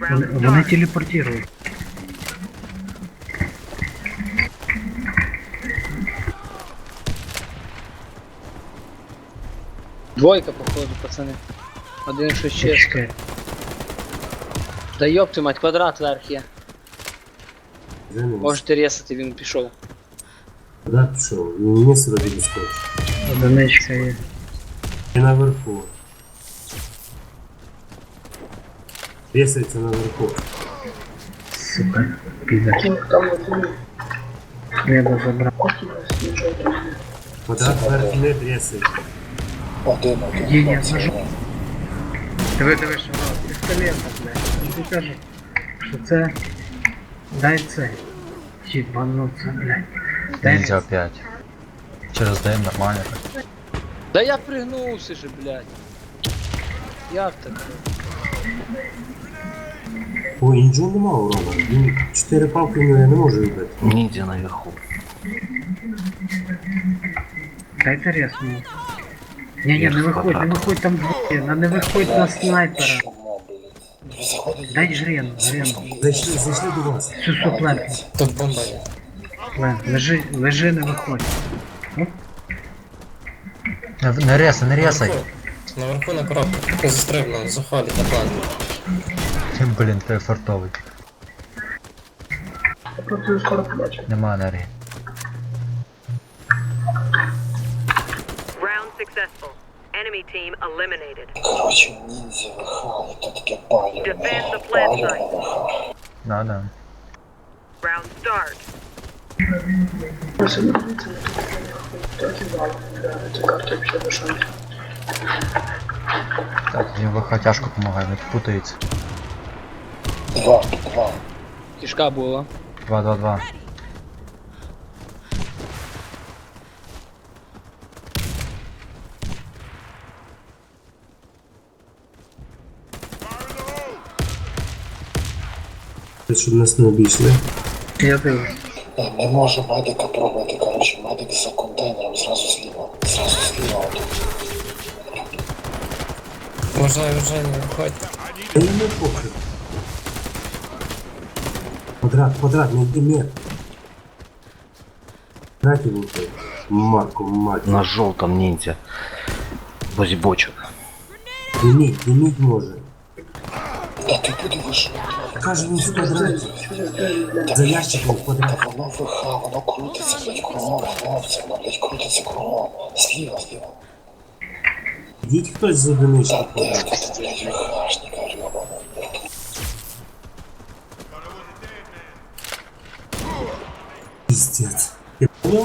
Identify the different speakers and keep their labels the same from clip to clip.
Speaker 1: Вони телепортирують.
Speaker 2: Двойка, походу, пацани. Один щось чесно.
Speaker 1: Чекай.
Speaker 2: Да ёб ти мать, квадрат вверх є. Можете ресати, він пішов.
Speaker 3: Куда пішов? Він вниз вроде не скочить.
Speaker 1: Одиничка є.
Speaker 3: І наверху. Ресается наверху.
Speaker 1: Сука, підар. Треба забрати.
Speaker 3: Квадрат вверх не ресает.
Speaker 1: Є, я зажу. Диви, що воно пістолета, блядь. Ти кажеш, що це... Дай це. Їбануться, блядь. Дай
Speaker 4: Нельзя опять. Через ДМ нормально так.
Speaker 2: Да я пригнувся же, блядь. Як так?
Speaker 3: О, інджу нема урона. Він 4 палки в нього я не можу вибити.
Speaker 5: Ниндзя наверху.
Speaker 1: Дайте ресну. Не, не виходь там двоє, не виходь на снайпера. Дай грену.
Speaker 3: Зайшли до вас.
Speaker 1: Все, плен.
Speaker 6: Тут бомба є.
Speaker 1: Плен, лежи, не виходь.
Speaker 4: Не ресай.
Speaker 6: Наверху на коробку. Застрибнув, заходить на план.
Speaker 4: Блін, ти фартовий. Нема енергії.
Speaker 7: Round successful. Enemy team eliminated.
Speaker 5: Короче, ниндзя ВХ, это таке палево.
Speaker 7: Defend the plant site.
Speaker 4: Да.
Speaker 7: Round start.
Speaker 4: Так, їм ВХ тяжко допомагає, не путається.
Speaker 5: Два.
Speaker 2: Кишка була.
Speaker 4: 2.
Speaker 3: Щоб нас не обійшли.
Speaker 1: Я дивлюсь.
Speaker 5: Не можу медика пробити, короче, медик за контейнером зразу зліва. Отут.
Speaker 6: Вважаю, вже не виходь.
Speaker 3: Та я не похуй. Квадрат, не йди мер. Дайте лучше. Марку, мать.
Speaker 5: На жовтом ниндзя. Возле бочок.
Speaker 3: Димить може.
Speaker 5: Та ти куди вийшов?
Speaker 3: Каже він в квадраті. За ящиком в
Speaker 5: Та
Speaker 3: квадраті.
Speaker 5: воно ВХ, воно крутиться, блядь, кругом, хлопці, воно, блядь, крутиться кругом. Зліва.
Speaker 3: Йдіть хтось з одинички.
Speaker 5: Та де ти, блядь, ВХшника, рьобаного, блядь.
Speaker 3: Пиздец. Ти понял?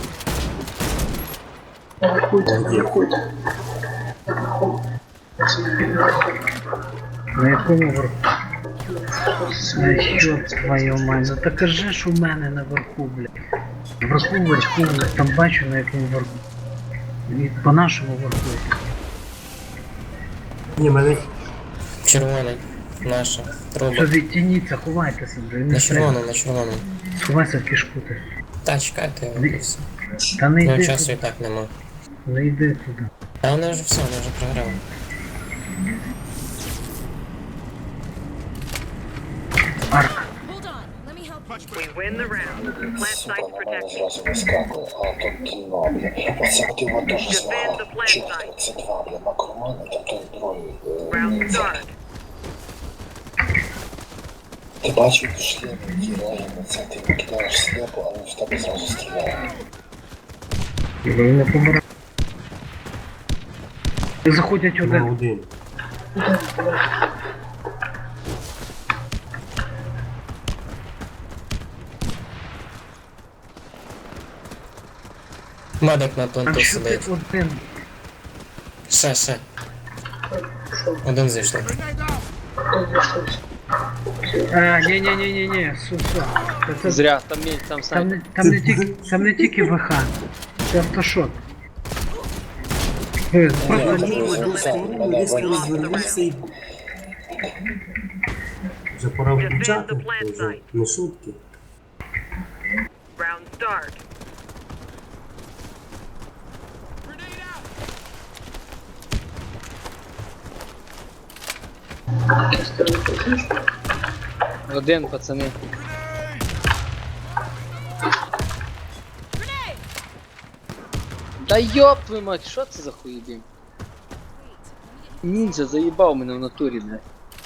Speaker 1: На якому верху? Що твою мать, ну так кажи ж у мене наверху, блядь. Верху, там бачу на якому верху. І по нашому верху.
Speaker 3: Ні, мене
Speaker 6: Червоний. Наша.
Speaker 1: Що
Speaker 6: Труба.
Speaker 1: відтяніться, ховайтеся, блядь.
Speaker 6: На червоному.
Speaker 1: Сховайся в кишку ти.
Speaker 6: Та, чекайте його і все.
Speaker 1: Та не
Speaker 6: Ну,
Speaker 1: йди
Speaker 6: часу і
Speaker 1: туди.
Speaker 6: так нема.
Speaker 1: Не йди туди.
Speaker 6: Та вони вже все, вони вже програли.
Speaker 1: Арк.
Speaker 7: We win the round. Plant
Speaker 5: Сука,
Speaker 7: site
Speaker 5: на мене
Speaker 7: protected.
Speaker 5: зразу вискакує, а тут кіно, бля. Оце от його теж
Speaker 7: Defend
Speaker 5: злагав.
Speaker 7: the plant
Speaker 5: Чітко,
Speaker 7: site.
Speaker 5: це два, бля, макромани, там той другий.
Speaker 7: Round start.
Speaker 5: Ти бачив шлем, який реально на це, ти викидаєш слепу, а він в тебе зразу стріляє.
Speaker 1: Він не помирає. Заходять
Speaker 3: на
Speaker 1: один.
Speaker 3: один.
Speaker 6: Медик на
Speaker 1: Там
Speaker 6: тонту
Speaker 1: що ти
Speaker 6: сидить.
Speaker 1: один?
Speaker 6: Ще. Один зійшов.
Speaker 1: А, ні, все. Це,
Speaker 2: Зря, там
Speaker 1: там,
Speaker 2: снайпер.
Speaker 1: там не тільки ВХ. Це автошот. Просто
Speaker 3: Розвернувся і... Вже пора включати. Вже не шутки.
Speaker 7: Round start.
Speaker 2: Один, пацани. Да ёб твою мать, що це за хуєбін? Ніндзя заїбав мене в натурі, блядь.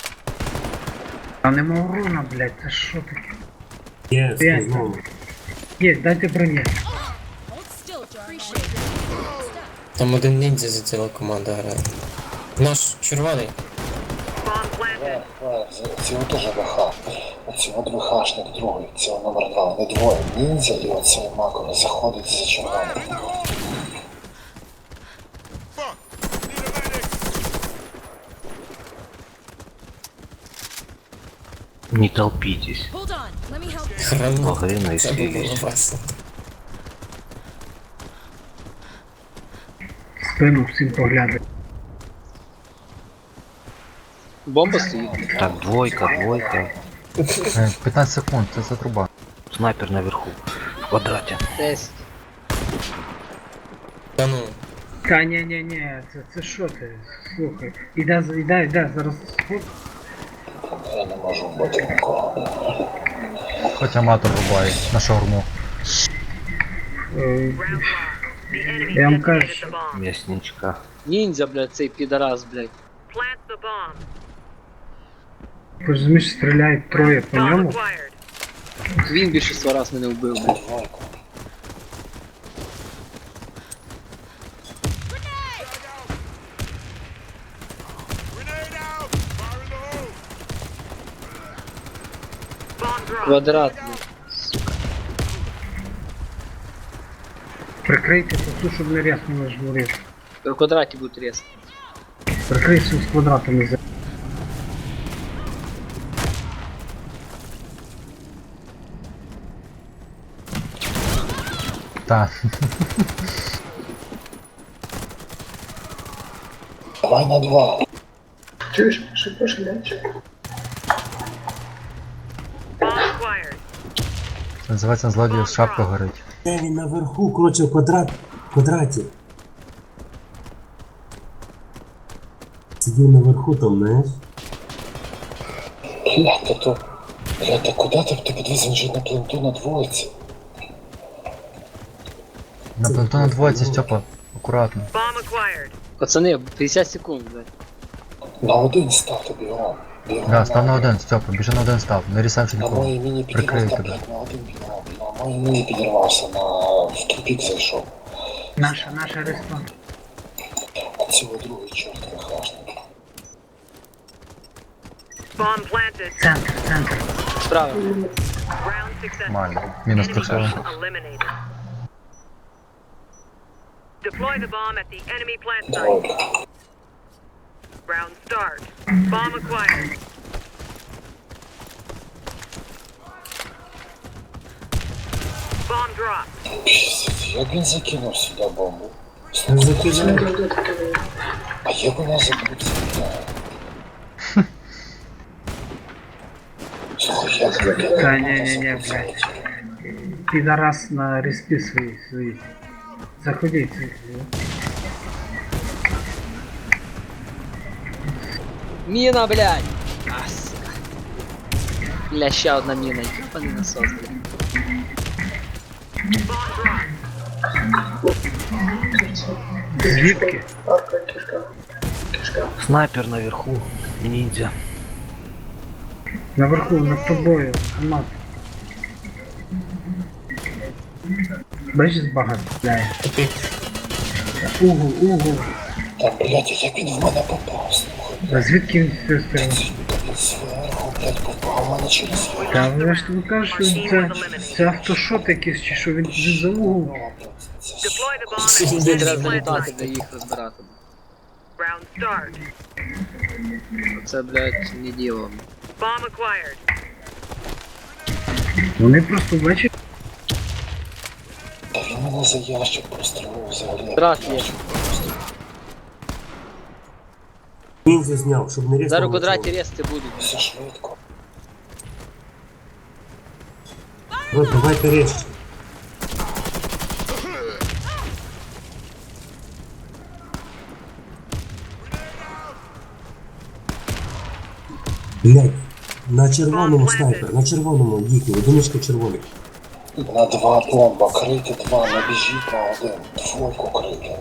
Speaker 1: Та нема урона, блядь, це що таке?
Speaker 3: Є,
Speaker 1: Є.
Speaker 3: знову.
Speaker 1: Є, дайте броні.
Speaker 6: Там один ніндзя за ціла команда грає. Наш червоний.
Speaker 7: Bomb planted.
Speaker 5: Цього теж ВХ. Оцього ВХшник другий, цього номер 2. Вони двоє. Ніндзя і оцей макро заходить за червоним.
Speaker 8: Не толпитесь.
Speaker 6: Хрено.
Speaker 8: Лагай,
Speaker 6: Це було
Speaker 8: наискились.
Speaker 6: весело.
Speaker 1: Спину всім поглядати.
Speaker 2: Бомба стоїть.
Speaker 8: Так, двойка.
Speaker 4: 15 секунд, це за труба.
Speaker 8: Снайпер наверху. В квадрате.
Speaker 2: 10.
Speaker 6: Та ну.
Speaker 1: Та ні, це що ти? Слухай. Іде, зараз.
Speaker 5: Я не можу вбити нікого.
Speaker 4: Хоч аматор рубає на шаурму.
Speaker 1: Е,
Speaker 7: Round lost. The enemy
Speaker 1: Я вам
Speaker 7: detonated
Speaker 1: кажу,
Speaker 7: the bomb.
Speaker 8: Мясничка.
Speaker 2: Ніндзя, блядь, цей підарас, блядь.
Speaker 7: Plant the bomb.
Speaker 1: Розумієш, стріляють троє по
Speaker 7: Bomb
Speaker 1: ньому.
Speaker 7: acquired.
Speaker 2: Він більшість раз мене вбив, блядь.
Speaker 5: Двойку.
Speaker 7: Bomb dropped.
Speaker 2: Квадрат, блядь. Сука.
Speaker 1: Прикрийте ту, щоб не ряснули жмурів.
Speaker 2: В квадраті будуть рез.
Speaker 1: Прикрийся з квадратами за.
Speaker 4: Та.
Speaker 5: Давай на 2.
Speaker 7: Bomb acquired.
Speaker 4: Називається злодій з шапка горить.
Speaker 3: Де він наверху, коротше, в квадраті. Сидів наверху там, знаєш?
Speaker 5: Блядь, та куди ти подивись, він же на пленту на двоїці.
Speaker 4: На пленту на двоєці, Степа, акуратно.
Speaker 7: Bomb acquired.
Speaker 2: Пацани, 50 секунд, блядь.
Speaker 5: На один став тобі, о.
Speaker 4: Да, став на один, Степа, біжи на один став, не рісайся
Speaker 5: На
Speaker 4: нікого.
Speaker 5: моїй міні
Speaker 4: Прикрию
Speaker 5: підірвався,
Speaker 4: тебе.
Speaker 5: блядь, на один бігав. На моїй міні підірвався, в тупік зайшов.
Speaker 1: Наша респа.
Speaker 5: А цього другий чорт ВХшник.
Speaker 7: Bomb planted.
Speaker 1: Центр.
Speaker 2: Справа.
Speaker 7: Round successful.
Speaker 4: Нормально. Мінус
Speaker 7: Enemy
Speaker 4: 3
Speaker 7: team eliminated. Deploy the bomb at the enemy plant site.
Speaker 5: Двойка.
Speaker 7: Round start. Bomb acquired. Bomb dropped.
Speaker 5: Піздець, як він закинув сюди бомбу?
Speaker 3: Закидаю.
Speaker 5: А як вона забудеться? Слухай, як закидав?
Speaker 1: Та ні, блядь. Підарас на респі свої. Заходіть.
Speaker 2: Міна, блядь! А, сука. Бля, ще одна міна, ебаний насос, блядь.
Speaker 1: Звідки?
Speaker 8: Снайпер наверху. Ниндзя.
Speaker 1: Наверху, над тобою. Амат. Бачиш, багато стріляє. Угол.
Speaker 5: Та, блядь, як він в мене попав, слухай.
Speaker 1: А звідки він все стріляє?
Speaker 5: Він зверху, блядь, попав в мене через вікно.
Speaker 1: Та ви ж тобі кажеш, що це автошот якийсь, чи що він за угол.
Speaker 7: Deploy the bomb at the
Speaker 2: Треба
Speaker 7: enemy plant
Speaker 2: залітати,
Speaker 7: site.
Speaker 2: для їх розбирати.
Speaker 7: Round start.
Speaker 2: Оце, блядь, не діло.
Speaker 7: Bomb acquired.
Speaker 1: Вони просто бачать.
Speaker 5: Та він мене за ящик прострелив взагалі.
Speaker 2: Брат є.
Speaker 3: Ніндзя зняв, щоб не різко.
Speaker 2: Зараз у квадраті резти будуть.
Speaker 5: Все швидко.
Speaker 3: Вот, давайте резче. Блядь, На червоному снайпер, на червоному їхній, одиничка червоних.
Speaker 5: На 2 бомба, крийте 2, не біжіть на 1. Двойку крийте.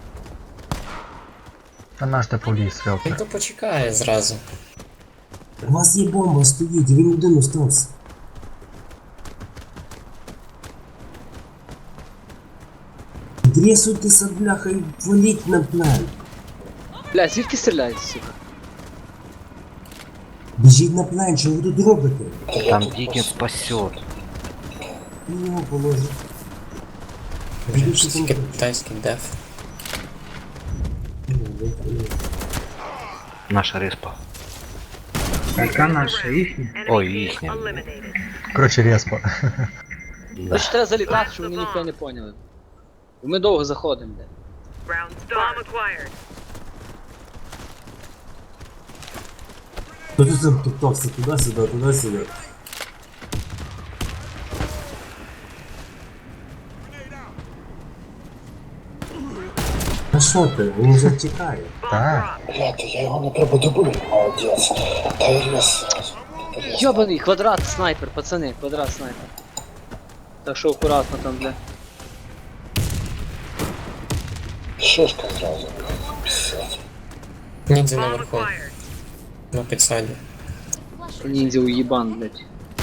Speaker 4: Та наш ти поліз,
Speaker 6: Ну
Speaker 4: Рьоки.
Speaker 6: то почекає зразу.
Speaker 3: У вас є бомба, стоїть, він один остався. Дресуйтеся, бляха, і валіть на план.
Speaker 2: Бля, звідки стріляють, сука?
Speaker 3: Біжіть на план, що ви тут робите?
Speaker 5: Та я
Speaker 8: Там
Speaker 5: тут
Speaker 8: Дикин
Speaker 5: просто-
Speaker 8: спасет.
Speaker 3: Його положить. Більше там...
Speaker 6: Китайський деф.
Speaker 8: Наша респа.
Speaker 1: Яка наша, їхня?
Speaker 7: Enemy
Speaker 8: Ой,
Speaker 7: team
Speaker 8: їхня.
Speaker 7: eliminated.
Speaker 4: Коротше, респа.
Speaker 2: Значить треба залітати, щоб вони ніхто не поняли. Бо ми довго заходимо, бля.
Speaker 7: Round start. Bomb acquired.
Speaker 3: Хто тут там топтався туди-сюди, туди-сюди? А що ти? Він вже втікає.
Speaker 4: Так.
Speaker 5: Блядь, я його не треба добив, молодець. Та й рез сразу.
Speaker 2: Йобаний, квадрат снайпер, пацани, квадрат снайпер. Так що акуратно там, бля.
Speaker 5: Шишка зразу. Писать.
Speaker 6: Ніндзя
Speaker 7: Bomb
Speaker 6: наверху,
Speaker 7: acquired.
Speaker 6: на підсаді.
Speaker 2: Ніндзя уїбан, блядь.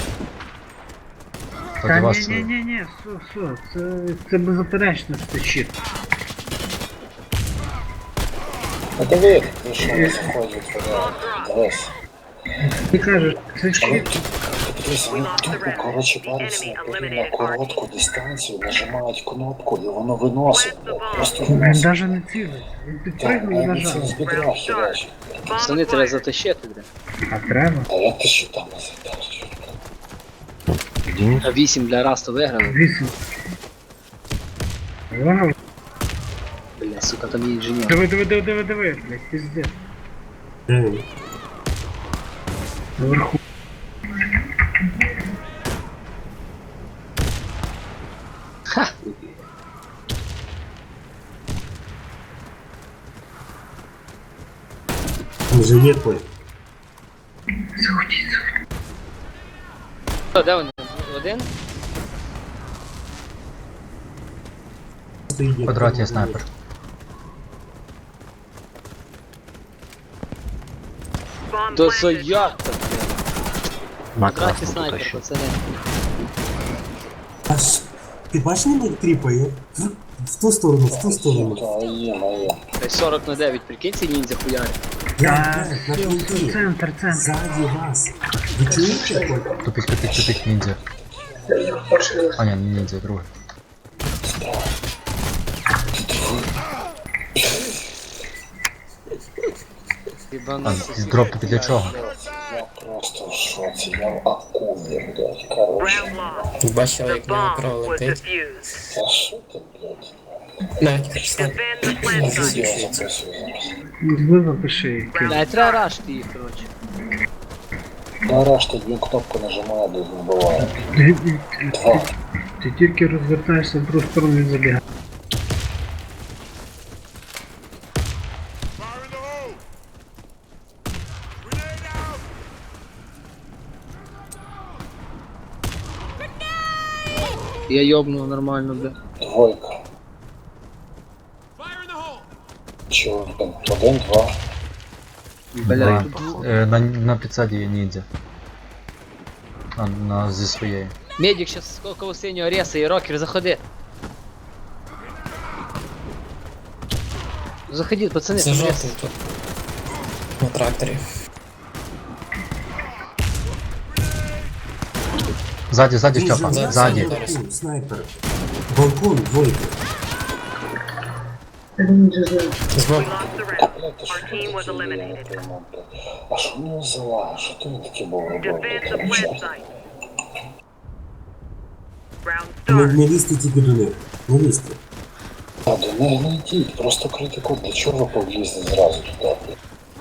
Speaker 1: Та
Speaker 4: Тоді вас
Speaker 1: ні, все, це беззаперечно, що це щит.
Speaker 5: Ну диви, ви що не заходять туди. Дивись.
Speaker 1: Ти кажеш, це
Speaker 5: Але
Speaker 1: щит.
Speaker 5: тут, дивись, вони тупо, коротше, пару снайперів на коротку дистанцію, нажимають кнопку і воно виносить, блядь. Просто
Speaker 1: Він
Speaker 5: виносить.
Speaker 1: навіть не цілить. Він
Speaker 5: Так,
Speaker 1: підпригнув і
Speaker 5: навіть це
Speaker 1: нажав.
Speaker 5: з бідра херачить.
Speaker 2: Пацани, треба затащити, бля.
Speaker 1: А треба?
Speaker 5: Та як ти ще там не затащиш?
Speaker 8: Денис?
Speaker 2: А 8 для Раста виграли.
Speaker 1: 8. Вау.
Speaker 2: Бля, сука, там є інженер.
Speaker 1: Диви, блядь, пиздец.
Speaker 3: Де він?
Speaker 1: Наверху.
Speaker 2: Ха!
Speaker 3: Він вже є той.
Speaker 1: Заходіть.
Speaker 2: Що, де вони? Один?
Speaker 3: Стоїть
Speaker 4: в
Speaker 3: як
Speaker 4: квадраті
Speaker 3: той.
Speaker 4: є снайпер.
Speaker 7: Bomb
Speaker 2: Да
Speaker 7: planted.
Speaker 2: за як так, бля?
Speaker 8: На
Speaker 2: Квадраті
Speaker 8: красную
Speaker 2: снайпер,
Speaker 8: тащу.
Speaker 2: пацани.
Speaker 3: Аж... Ти бачиш, не тріпає? В ту сторону, в ту сторону.
Speaker 5: Та є, моє.
Speaker 2: Та й 40 на 9, прикинь, ці ніндзя хуярить.
Speaker 3: Я, на
Speaker 1: Все,
Speaker 3: кінці.
Speaker 1: центр.
Speaker 3: Ззаді вас. Ви чуєте? Колька?
Speaker 4: Тупик, ніндзя. А, ні, не ніндзя, другий. А,
Speaker 2: Єбануться.
Speaker 4: дроп тобі для чого?
Speaker 5: Я просто в шоці, я в акулі, блядь, короче.
Speaker 7: Round lost.
Speaker 6: Бачили,
Speaker 7: The
Speaker 6: як на
Speaker 7: bomb
Speaker 6: кров
Speaker 7: was
Speaker 6: летить.
Speaker 7: defused.
Speaker 5: Та що ти, блядь?
Speaker 6: Навіть херстан.
Speaker 7: Defend the plant site.
Speaker 5: Відео записую зараз.
Speaker 1: Ви запиши який.
Speaker 2: Бля, треба рашити їх, коротше.
Speaker 5: Нараж тоді кнопку нажимає, де вбиває. Два.
Speaker 1: Ти тільки розвертаєшся в другу сторону, він забігає.
Speaker 2: Я йобнув нормально, бля.
Speaker 5: Двойка. Чи один? Один, два.
Speaker 2: Бля,
Speaker 4: Два.
Speaker 2: тут
Speaker 4: На підсаді є ніндзя. Зі своєї.
Speaker 2: медик щас коло синього реса і рокер, заходи. Заходи, пацани,
Speaker 6: Це
Speaker 2: там
Speaker 6: жовтий
Speaker 2: рес.
Speaker 6: тут. На тракторі.
Speaker 3: Він
Speaker 4: Ззаді, Степа,
Speaker 3: же
Speaker 4: ззаді.
Speaker 3: наверху, снайпер. Балкон, двойка.
Speaker 6: Збоку.
Speaker 7: Lost the
Speaker 5: Та,
Speaker 7: round.
Speaker 5: блядь, ти що
Speaker 7: Our team was
Speaker 5: таке, я не
Speaker 7: eliminated.
Speaker 5: пойму, блядь. А що в нього взяла? Що ти він такий був робив?
Speaker 7: Defend the plant site. Round
Speaker 3: Не,
Speaker 7: start.
Speaker 3: не лізьте тільки до них. Не лізьте.
Speaker 5: Та, до неї не йдіть, просто критику. Для чого ви повлізли зразу туди, блядь?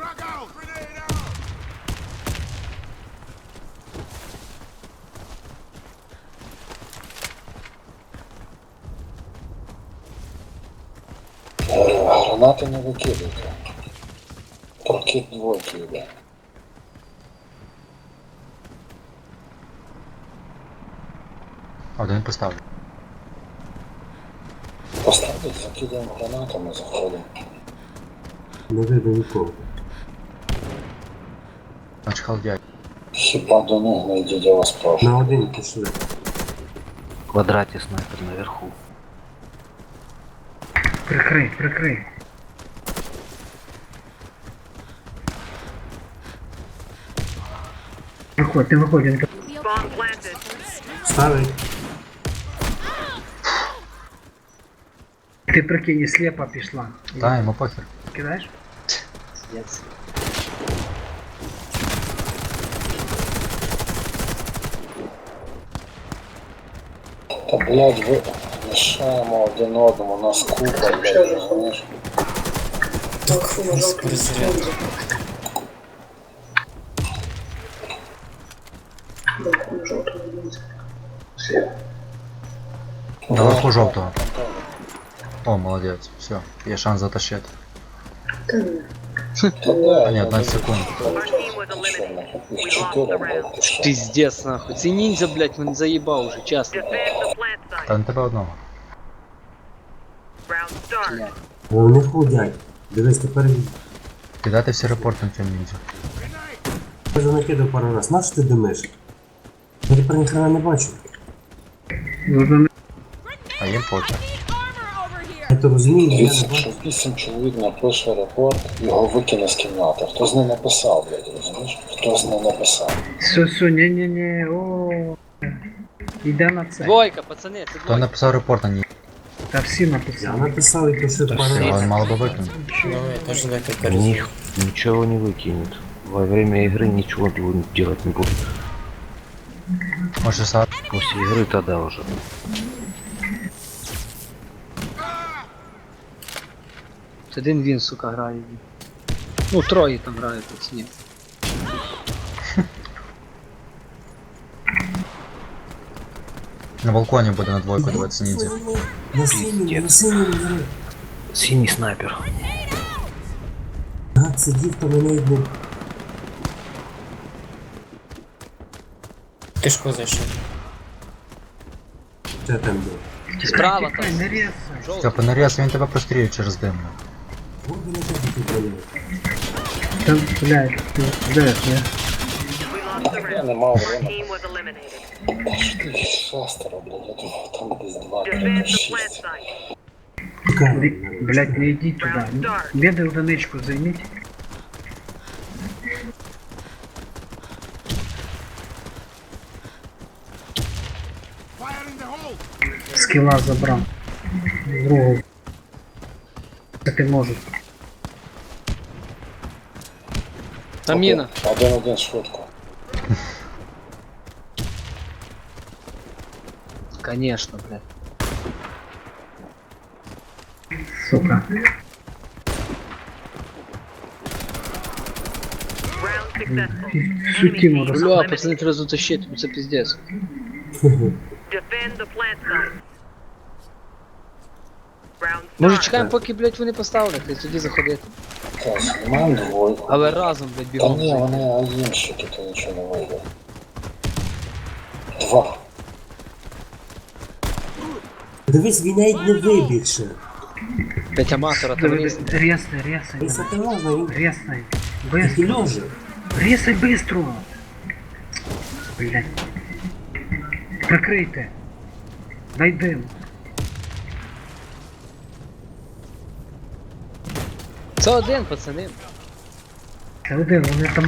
Speaker 5: Гранати не викидуйте. Прокид двойки йде.
Speaker 4: Один поставив.
Speaker 5: Поставить, закидаємо гранатами, заходимо.
Speaker 3: Не видно нікого.
Speaker 4: Значить халдяй.
Speaker 5: Хіба до них не йдіть, я вас прошу.
Speaker 3: На один пішли.
Speaker 8: В квадрате снайпер наверху.
Speaker 1: Прикрий, прикрий. Виходь, не виходь, він
Speaker 7: Bomb planted.
Speaker 3: Ставить.
Speaker 1: Ти прикинь, і сліпа пішла.
Speaker 4: Та, йому похер.
Speaker 1: Кидаєш?
Speaker 2: Пиздец.
Speaker 5: Та, блядь, ви мішаємо один одному, нас купа, блядь, розумієш?
Speaker 6: Так у нас перезарядка.
Speaker 4: Наверху жовтого. О, молодець. Все, є шанс затащити.
Speaker 5: Та да,
Speaker 4: А ні, 11 секунд.
Speaker 7: Our team was eliminated.
Speaker 5: Їх
Speaker 7: We lost
Speaker 5: 4,
Speaker 7: the
Speaker 5: блядь,
Speaker 7: round.
Speaker 5: ти що?
Speaker 2: Пиздец, нахуй. Цей ніндзя, блядь, мене заїбав уже, чесно.
Speaker 7: Defend the plant
Speaker 4: Та
Speaker 7: site.
Speaker 4: не тебе одного.
Speaker 7: Round start.
Speaker 2: Блядь.
Speaker 3: Вони ходять. Дивись, тепер
Speaker 4: Кидайте всі репорти на цьому ніндзю.
Speaker 3: я вже накидав пару раз. Наш ти димиш? Я тепер ніхрена не бачу.
Speaker 4: А їм похер.
Speaker 3: Я то розумію, я не
Speaker 5: Дивіться,
Speaker 3: бачу.
Speaker 5: що 8 чоловік напише репорт, його викине з кімнати. Хтось не написав, блядь, розумієш? Хтось не написав.
Speaker 1: Су, ні, о. Іде на це.
Speaker 2: Двойка, пацани, це
Speaker 4: Хто
Speaker 2: двойка.
Speaker 4: написав репорт на ній?
Speaker 1: Та всі
Speaker 3: Я
Speaker 1: написали.
Speaker 3: написав і пишу пару
Speaker 4: Його
Speaker 3: раз.
Speaker 4: мало би викинути.
Speaker 6: Ну, я тоже декілька
Speaker 8: Них
Speaker 6: разів.
Speaker 8: ничего не выкинет. Во время игры ничего делать не будет.
Speaker 4: Може сад?
Speaker 8: После игры тогда уже.
Speaker 2: Це один він, сука, грає. Ну, троє там грають, пацани.
Speaker 4: На балконі буде на двойку дивитися ніндзя.
Speaker 3: На синій, на синій.
Speaker 8: Синий снайпер.
Speaker 3: Гад сидів, то мене йде.
Speaker 6: Ти ж кого зайшов?
Speaker 3: Що там було?
Speaker 2: Справа
Speaker 1: Тікай,
Speaker 2: там.
Speaker 1: не рєсай.
Speaker 2: Жовтий.
Speaker 4: Степа, наріз, він тебе прострілює через дим.
Speaker 3: Воду на тебе тут прийняли.
Speaker 1: Та, блядь, ти знаєш, не?
Speaker 7: We lost the
Speaker 5: Я
Speaker 7: round.
Speaker 5: не мав
Speaker 7: Our
Speaker 5: времени.
Speaker 7: team was eliminated.
Speaker 5: Та ж ти шестеро, блядь, я думав, там десь 2, 3,
Speaker 7: Defend the
Speaker 5: 6.
Speaker 7: plant site.
Speaker 3: Тікай.
Speaker 1: Блядь, не йдіть туди.
Speaker 7: Round start.
Speaker 1: Біди одиничку займіть. Скіла забрав. Другу. Це ти можеш.
Speaker 2: Там міна.
Speaker 5: Один швидко.
Speaker 2: Конечно, блядь.
Speaker 1: Сука.
Speaker 7: Round successful.
Speaker 1: Всю тіму роз...
Speaker 2: Бля, пацани, треба затащити, бо це пиздец.
Speaker 7: Defend the plant site. Round
Speaker 2: Може
Speaker 7: start.
Speaker 2: чекаємо, поки, блядь, вони поставлять, і тоді заходити.
Speaker 5: Так, знімаємо двойку.
Speaker 2: Але разом, блядь,
Speaker 5: Та
Speaker 2: бігом.
Speaker 5: ні, вони аїмщики, то нічого не вийде. 2.
Speaker 3: Дивись, він навіть не вибіг ще.
Speaker 2: Блядь, аматора, там різні.
Speaker 1: Рєсай.
Speaker 3: Висоти можна, він
Speaker 1: Рєсай.
Speaker 3: тільки
Speaker 1: Быстро.
Speaker 3: льоже.
Speaker 1: Рєсай быстро. Блядь. Прикрийте. Дай дим.
Speaker 2: Це один, пацани.
Speaker 1: Це один, вони там...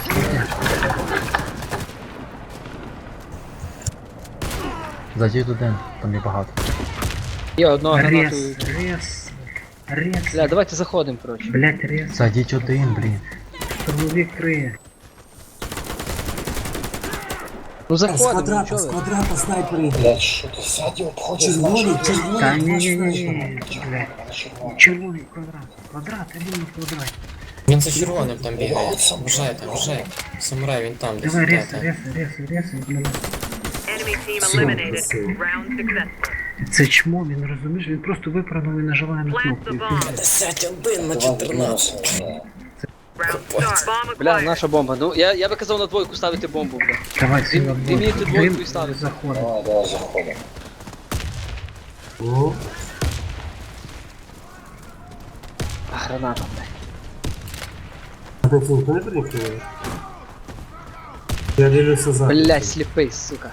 Speaker 4: Зайдіть один, там є багато.
Speaker 2: Є одного гранату.
Speaker 1: Рєс.
Speaker 2: Бля, давайте заходимо, коротше.
Speaker 1: Блять, рєс.
Speaker 4: Зайдіть один, блін.
Speaker 1: Штурмовик криє.
Speaker 2: Ну
Speaker 3: З
Speaker 2: заходимо,
Speaker 3: квадрата,
Speaker 2: нічого.
Speaker 3: з
Speaker 2: ви.
Speaker 3: квадрата снайпер йде.
Speaker 5: Блядь, що ти ззаді обходиш
Speaker 3: Червоний,
Speaker 5: нашу?
Speaker 3: червоний.
Speaker 1: Та
Speaker 3: наш
Speaker 1: ні-ні-ні,
Speaker 3: снайпер.
Speaker 1: блядь. Червоний квадрат. Квадрат, один квадрат.
Speaker 6: Він за червоним там бігає. Вважайте, вважайте. Самурай, він там десь.
Speaker 1: Давай,
Speaker 6: Та,
Speaker 1: рєсай.
Speaker 7: Enemy team
Speaker 3: Все,
Speaker 7: eliminated.
Speaker 3: все.
Speaker 7: Round successful.
Speaker 1: Це чмо, він розумієш, він просто випрыгнув і нажимає на
Speaker 7: Plant
Speaker 1: кнопку.
Speaker 7: the
Speaker 1: і
Speaker 7: bomb.
Speaker 1: пиздец.
Speaker 6: 51 на
Speaker 5: Давай
Speaker 6: 14.
Speaker 5: відмінуся.
Speaker 7: start. Bomb
Speaker 2: Бля,
Speaker 7: acquired.
Speaker 2: наша бомба. Ну, я би казав на двойку ставити бомбу, бля.
Speaker 1: Давай, сила
Speaker 2: вмієте двойку і ставити.
Speaker 1: заходить.
Speaker 5: Давай заходимо.
Speaker 3: О,
Speaker 2: А, граната, бля.
Speaker 3: а ти ніхто не приніхтує? Я дивлюся за.
Speaker 2: Блять, сліпий, сука.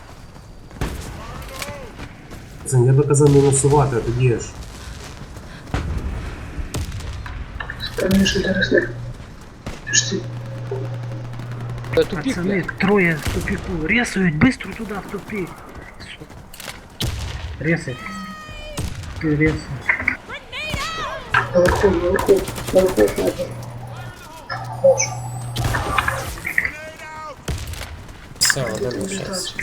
Speaker 3: Я би казав мінусувати, а тоді ж.
Speaker 2: Тупик, бля.
Speaker 1: Пацаны, трое в тупику. Ресают, быстро туда, в тупик. Ресай. Ты ресай.
Speaker 6: Все, один лишився.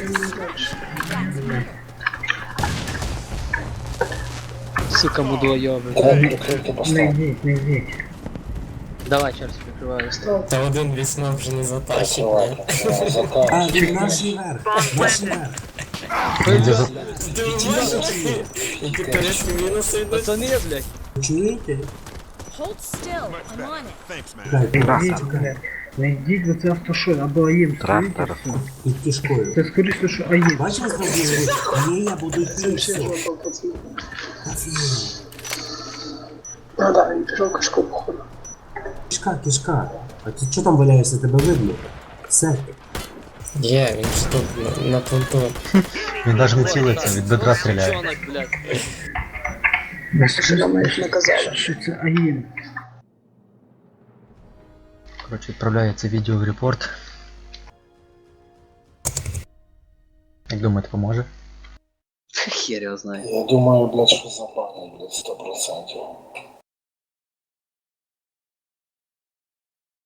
Speaker 2: Сука, мудло йоби.
Speaker 5: Треба прикрити
Speaker 1: Не
Speaker 5: поставити.
Speaker 1: идите, не идите.
Speaker 2: Давай, черт, прикриваю.
Speaker 6: Та один вісьма вже не затащить,
Speaker 5: Прикривати.
Speaker 6: не?
Speaker 5: Да, заказ.
Speaker 3: А, він наш верх. Наш верх.
Speaker 6: Які пересні мінуси йдуть.
Speaker 2: Пацани, блядь.
Speaker 3: Чуєте?
Speaker 9: Hold still. I'm on it.
Speaker 3: Дайте,
Speaker 1: Не идите, блядь. Не идите, це автошой, або АІМ стоїть,
Speaker 8: Трактор.
Speaker 1: і все.
Speaker 3: під кишкою.
Speaker 1: Це скоріше, що АІМ.
Speaker 3: Бачиш, зробили? Ні, я буду йти, все.
Speaker 10: Ну да, він пішов кашку, походу.
Speaker 3: Кишка, кишка. А ти що там валяєшся, тебе видно? Все.
Speaker 6: Є, він ж тут на понту.
Speaker 4: Він навіть не цілиться, від бедра стріляє.
Speaker 2: Сучонок, блядь.
Speaker 10: Що нам навіть не казали.
Speaker 1: Що це АІМ?
Speaker 4: Коротше, відправляє це відео в репорт. Як думаєте, поможе?
Speaker 2: Хер його знає.
Speaker 5: Я думаю, блядь, що забанять, блядь, 100%.